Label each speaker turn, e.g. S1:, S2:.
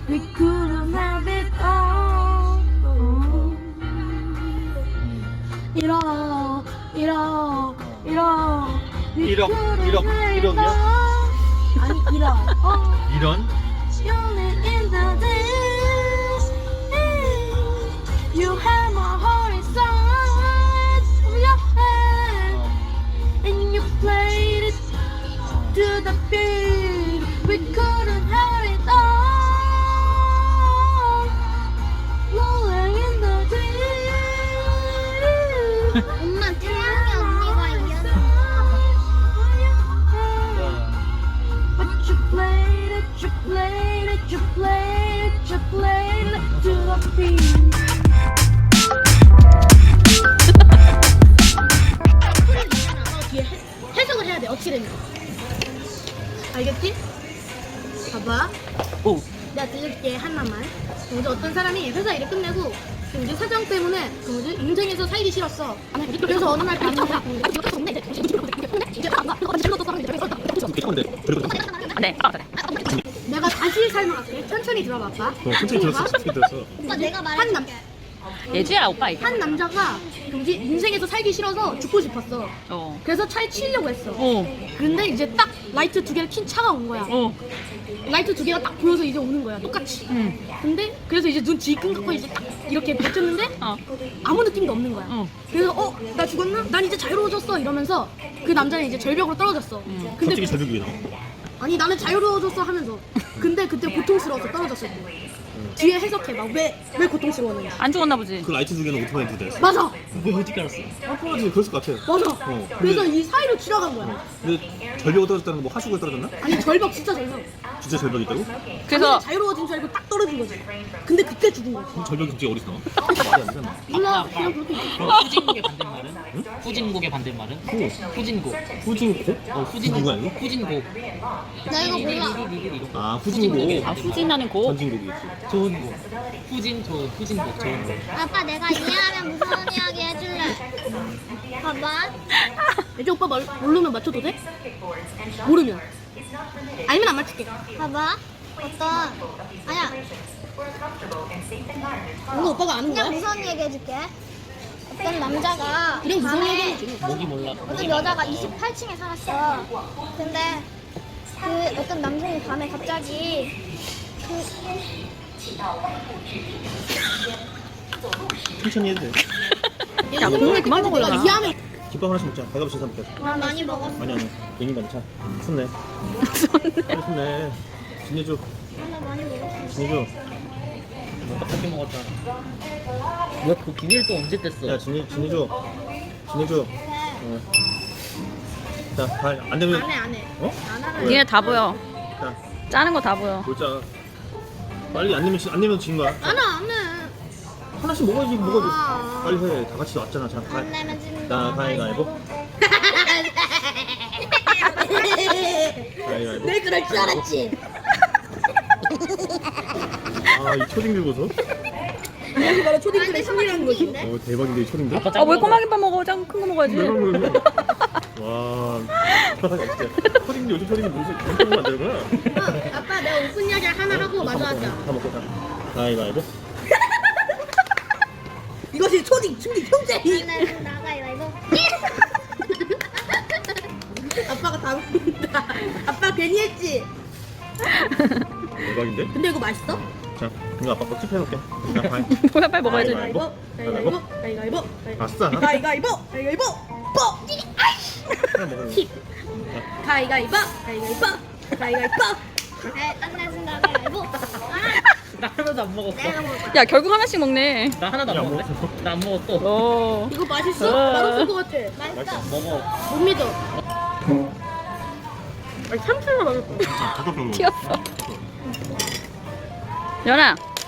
S1: We couldn't have it all. 이러 We
S2: 1억,
S1: couldn't
S2: 1억,
S1: have it
S2: 1억이야?
S1: all. 아니 이러
S2: 이런?
S1: Only in the days you have my heart inside of your hand and you played it to the beat. We couldn't have it all. Rolling in the deep.
S3: 엄마 태양이 언니가 이겼어.
S1: But you played it, you played it, you played it, you played it to the beat. 소리를 내놔서 뒤에 해석을 해야 돼. 어떻게 되는 거? 알겠지? 봐봐.
S2: 오.
S1: 내가 들려줄게 하나만. 뭐지 어떤 사람이 회사 일을 끝내고 그 뭐지 사장 때문에 그 뭐지 인생에서 살기 싫었어. 그래서 어느 날
S2: 괜찮은데? 그리고
S4: 네.
S1: 내가 다시 설명할게. 천천히 들어봐, 아빠.
S2: 천천히 들었어, 천천히 들었어.
S3: 오빠 내가
S1: 한 남,
S3: 말해줄게.
S4: 예주야 오빠 이거.
S1: 한 남자가 그 뭐지 인생에서 살기 싫어서 죽고 싶었어.
S4: 어.
S1: 그래서 차에 치려고 했어.
S4: 어.
S1: 근데 이제 딱 라이트 두 개를 킨 차가 온 거야.
S4: 어.
S1: 라이트 두 개가 딱 보여서 이제 오는 거야. 똑같이.
S4: 응.
S1: 근데 그래서 이제 눈 뒤끈 고 이제 딱 이렇게 비쳤는데
S4: 어.
S1: 아무 느낌도 없는 거야.
S4: 어.
S1: 그래서 나 죽었나? 난 이제 자유로워졌어 이러면서 그 남자는 이제 절벽으로 떨어졌어. 근데
S2: 갑자기 절벽이 나와.
S1: 아니 나는 자유로워졌어 하면서 근데 그때 고통스러워서 떨어졌을 때 뒤에 해석해봐. 왜 고통스러웠는지.
S4: 안 죽었나 보지.
S2: 그 라이트 두 개는 오토바이 두 대였어.
S1: 맞아.
S2: 왜 어떻게 알았어? 아파가지고 그랬을 것 같아.
S1: 맞아.
S2: 어.
S1: 그래서 이 사이로 지나간 거야.
S2: 근데 절벽으로 떨어졌다는 거 뭐 하수구에 떨어졌나?
S1: 아니 절벽 진짜 절벽.
S2: 진짜 절벽이 있다고?
S4: 그래서
S1: 아니, 자유로워진 줄 알고 딱 떨어진 거지. 근데 그때 죽은 거지.
S2: 그럼 절벽이 갑자기 어디서 나와? 말이 안 되잖아.
S1: 몰라 그냥 그렇게 있어.
S5: 후진국의 반대말은? 후진국의 반대말은? 후진국.
S2: 후진고?
S5: 후진국.
S2: 누가 이거?
S5: 후진국.
S3: 나 이거 몰라.
S2: 아, 후진고.
S4: 아 후진하는 고.
S2: 전진국이 있지.
S5: 좋은 곡. 후진국 좋은 곡.
S3: 아빠 내가 이해하면 무서운 이야기 해줄래. 봐봐.
S1: 이제 오빠 모르면 맞춰도 돼? 모르면. 아니면 안 맞출게.
S3: 봐봐. 아니야.
S1: 이거 오빠가 아는
S3: 그냥
S1: 거야?
S3: 무서운 얘기 해줄게. 어떤 남자가
S1: 그냥 무서운
S3: 밤에
S1: 얘기지.
S5: 목이 몰라.
S3: 어떤 여자가 28층에 살았어. 근데 그 어떤 남성이 밤에 갑자기
S2: 천천히 해도 돼.
S4: 야 국물 그만 먹으려나.
S1: 이해하면
S2: 김밥 하나씩 먹자. 가위바위보 신사 먹자.
S3: 나 많이 먹었어.
S2: 아니. 괜히 많자. 손내. 빨리 손내. 진해줘.
S3: 나 많이 먹었어.
S2: 진해줘.
S5: 떡볶이 먹었잖아. 왜그 기계를 또 언제 뗐어?
S2: 야, 진해줘. 진해줘. 어. 자, 안 되면.
S1: 안 해.
S2: 어?
S1: 안 하면
S4: 니네 다 보여.
S2: 자,
S4: 짜는 거 다 보여.
S2: 보자. 빨리 안 되면 진 거야.
S1: 안 해.
S2: 하나씩 먹어야지, 먹어야지.
S1: 아.
S2: 빨리 해. 다 같이 왔잖아. 자,
S3: 안 내면 지는
S2: 나
S3: 거.
S2: 가위바위보. 가위바위보.
S1: 내 그럴 줄 알았지.
S2: 아, 이 초딩들 보소.
S1: 이게 바로 초딩들의 심리라는 거지.
S2: 대박인데, 이 초딩들?
S5: 아빠
S4: 아 왜 꼬마김밥 먹어? 짱 큰 거 먹어야지.
S2: 와, 진짜. 초딩들, 요즘 초딩들 무슨 엄청 만들구나.
S1: 아빠 내가 웃픈 이야기 하나 하고 마저 하자.
S2: 다 먹고 자. 가위바위보.
S1: 이것이 초딩 충딩 형제.
S3: 안 내면 나가요 이거.
S1: 아빠가 다 웃는다. 아빠 괜히 했지.
S2: 대박인데?
S1: 근데 이거 맛있어?
S2: 자, 이거 아빠 거 tip해놓을게. 자, 가위.
S4: 뭐야 빨리 먹어야지.
S2: 가위바위보.
S1: 가위바위보.
S2: 아싸.
S1: 가위바위보. 가위바위보. 뽀.
S2: 하나 먹어.
S1: 가위바위보. 가위바위보. 가위바위보.
S3: 안 내면 나가요 이거.
S5: 나 하나도 안 먹었어.
S3: 내가 먹을 거야.
S4: 야 결국 하나씩 먹네.
S5: 나 하나도 안
S2: 야,
S5: 먹었어. 나 안 먹었어.
S4: 어.
S1: 이거 맛있어?
S4: 어.
S1: 맛없을 것 같아.
S3: 맛있어.
S5: 먹어.
S1: 못 믿어. 아니 참치가 맛있어.
S2: 잠깐만.
S4: 튀었어. 연아